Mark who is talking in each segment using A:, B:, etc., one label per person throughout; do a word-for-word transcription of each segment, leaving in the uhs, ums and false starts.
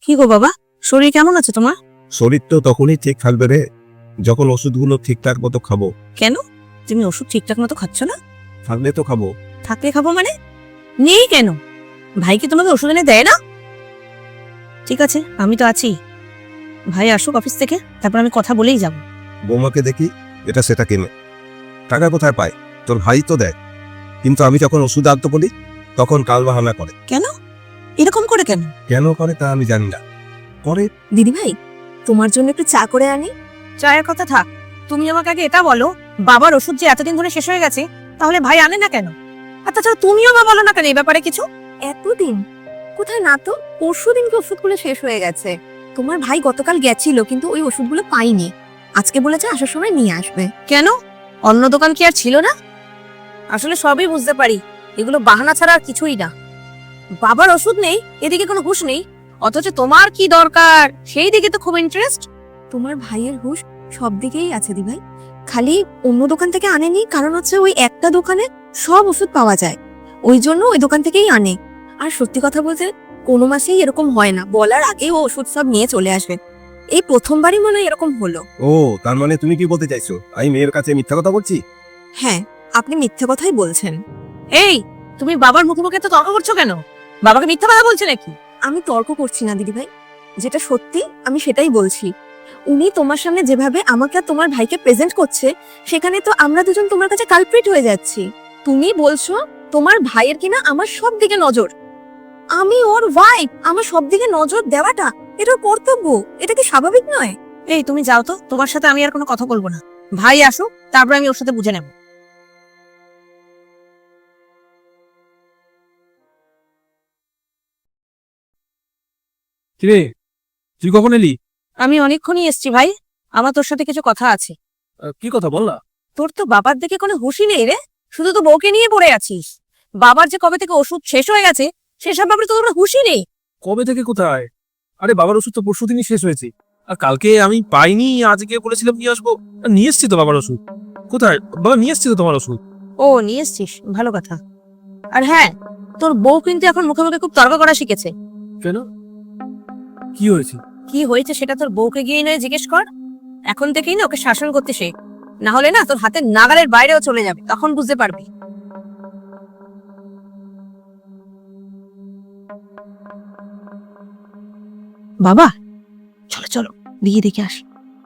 A: কি গো বাবা, শরীর কেমন আছে তোমার?
B: শরীর তো তখনই ঠিক থাকবে রে যখন ওষুধগুলো ঠিকঠাক মতো খাবো।
A: কেন, তুমি ওষুধ ঠিকঠাক মতো খাচ্ছ না?
B: থাকলে তো খাবো।
A: থাকলে খাবো মানে? নেই কেন? ভাই কি তোমাকে ওষুধ এনে দেয় না? ঠিক আছে, আমি তো আছি। ভাই আসুক অফিস থেকে, তারপর আমি কথা বলেই যাব।
B: বৌমাকে দেখি এটা সেটা কিনে টাকা কোথায় পায়, তোর ভাই তো দেয়, কিন্তু আমি যখন ওষুধ আনতে বলি তখন কাল বাহানা করে।
A: কেন এরকম করে? কেন
B: কেন করে তা আমি জানি না, করে।
C: দিদি ভাই, তোমার জন্য একটু চা করে আনি।
A: চায়ের কথা থাক, তুমি আমাকে আগে এটা বলো, বাবার ওষুধ যে এতদিন ধরে শেষ হয়ে গেছে, তাহলে ভাই আনে না কেন? আর তাছাড়া তুমিও বা বলো না কেন এই ব্যাপারে কিছু?
C: এতদিন কোথায় না তো, পরশু দিনকে ওষুধগুলো শেষ হয়ে গেছে। তোমার ভাই গতকাল গেছিল কিন্তু ওই ওষুধগুলো পাইনি, আজকে বলেছে আসার সময় নিয়ে আসবে।
A: কেন, অন্য দোকান কি আর ছিল না? আসলে সবই বুঝতে পারি, এগুলো বাহানা ছাড়া আর কিছুই না। বাবার ওষুধ নেই, এদিকে কোনো হুঁশ নেই, অথচ তোমার কি দরকার সেই দিকে তো খুব ইন্টারেস্ট।
C: তোমার ভাইয়ের হুঁশ সব দিকেই আছে দি ভাই, খালি অন্য দোকান থেকে আনেনি, কারণ হচ্ছে ওই একটা দোকানে সব ওষুধ পাওয়া যায়, ওই জন্য ওই দোকান থেকেই আনে। আর সত্যি কথা বলতে কোনো মাসেই এরকম হয় না, বলার আগেই ও ওষুধ সব নিয়ে চলে আসবে। এই প্রথমবারই মনে হয় এরকম হলো।
B: ও, তার মানে তুমি কি বলতে চাইছো আমি মেয়ের কাছে মিথ্যা কথা বলছি?
C: হ্যাঁ, আপনি মিথ্যে কথাই বলছেন।
A: এই, তুমি বাবার মুখে মুখে তো তর্ক করছো কেন? বাবাকে মিথ্যা কথা বলছে নাকি?
C: আমি তর্ক করছি না দিদি ভাই, যেটা সত্যি আমি সেটাই বলছি। উনি তোমার সামনে যেভাবে আমাকে আর তোমার ভাইকে প্রেজেন্ট করছে, সেখানে তো আমরা দুজন তোমার কাছে কালপ্রিট হয়ে যাচ্ছি। তুমি বলছো তোমার ভাইয়ের কিনা আমার সব দিকে নজর, আমি ওর ওয়াইফ, আমার সব দিকে নজর দেওয়াটা এটা ওর কর্তব্য, এটা কি স্বাভাবিক নয়?
A: এই তুমি যাও তো, তোমার সাথে আমি আর কোনো কথা বলবো না। ভাই আসুক, তারপর আমি ওর সাথে বুঝে নেব।
D: কিরে, তুই কখন এলি?
A: আমি অনেকক্ষণই এসছি ভাই, আমার তোর সাথে কিছু কথা আছে।
D: আহ, কি কথা বল না।
A: তোর তো বাবার দিকে কোনো হুঁশই নেই রে, শুধু তো বউকে নিয়ে পড়ে আছিস। বাবার যে কবে থেকে ওষুধ শেষ হয়ে গেছে সেসব ব্যাপারে তো তোর হুঁশই নেই।
D: কবে থেকে কোথায়? আরে বাবার ওষুধ তো পরশু দিনই শেষ হয়েছে, আর কালকে আমি পাইনি, আজকে বলেছিলাম নিয়ে আসবো, আর নিয়ে এসছি তো বাবার ওষুধ। কোথায় বাবা, নিয়ে এসছি তো তোমার ওষুধ।
A: ও, নিয়ে এসছিস, ভালো কথা। আর হ্যাঁ, তোর বউ কিন্তু এখন মুখে মুখে খুব তর্ক করা শিখেছে।
D: কেন, কি হয়েছে?
A: কি হয়েছে সেটা তোর বউকে গিয়ে নয় জিজ্ঞেস কর। এখন থেকেই না ওকে শাসন করতে শেখ, না হলে না তোর হাতের নাগালের বাইরেও চলে যাবে, তখন বুঝতে পারবি। বাবা চলো চলো, দিয়ে দেখে আস।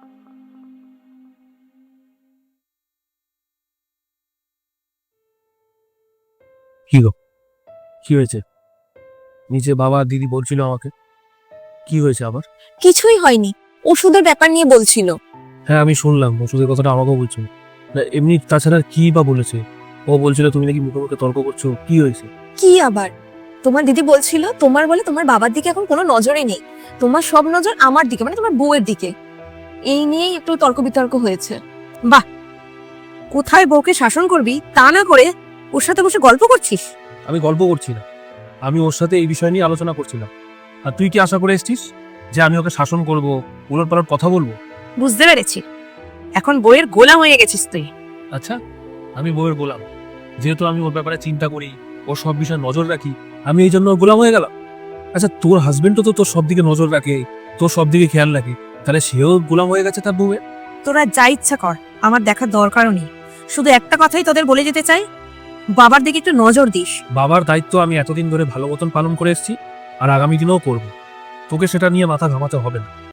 D: কি গো, কি হয়েছে? নিচে বাবা দিদি বলছিল আমাকে, কি হয়েছে আবার?
C: কিছুই হয়নি, ওষুধের ব্যাপার নিয়ে বলছিল।
D: হ্যাঁ আমি শুনলাম, ওষুধের কথাটা আমাকেও বলছিল না, এমনি তাছাড়া কি বা বলেছে? ও বলছিল তুমি নাকি মুখে মুখে তর্ক করছো, কি হয়েছে?
C: কি আবার, তোমার দিদি বলছিল তোমার বলে তোমার বাবার দিকে এখন কোনো নজরই নেই, তোমার সব নজর আমার দিকে, মানে তোমার বউয়ের দিকে। এই নিয়েই একটু তর্ক বিতর্ক হয়েছে।
A: বাহ, কোথায় বউকে শাসন করবি তা না করে ওর সাথে বসে গল্প করছিস।
D: আমি গল্প করছি না, আমি ওর সাথে এই বিষয় নিয়ে আলোচনা করছিলাম। আর তুই কি আশা করে এসেছিস যে আমি ওকে শাসন করব, উলট পালট কথা বলবো?
A: বুঝতে পেরেছি, এখন বইয়ের গোলাম হয়ে গেছিস তুই।
D: আচ্ছা, আমি বউয়ের গোলাম? যেহেতু আমি ওর ব্যাপারে চিন্তা করি, ওর সব বিষয়ে নজর রাখি, আমি এই জন্য ওর গোলাম হয়ে গেলাম? আচ্ছা, তোর হাজবেন্ডও তো তোর সব দিকে নজর রাখে, তোর সব দিকে খেয়াল রাখে, তাহলে সেও গোলাম হয়ে গেছে তার বউয়ের?
A: তোরা যা ইচ্ছা কর, আমার দেখার দরকারও নেই। শুধু একটা কথাই তোদের বলে যেতে চাই, বাবার দিকে একটু নজর দিস।
D: বাবার দায়িত্ব আমি এতদিন ধরে ভালো মতন পালন করে এসেছি, আর আগামী দিনেও করব। তোকে সেটা নিয়ে মাথা ঘামাতে হবে না।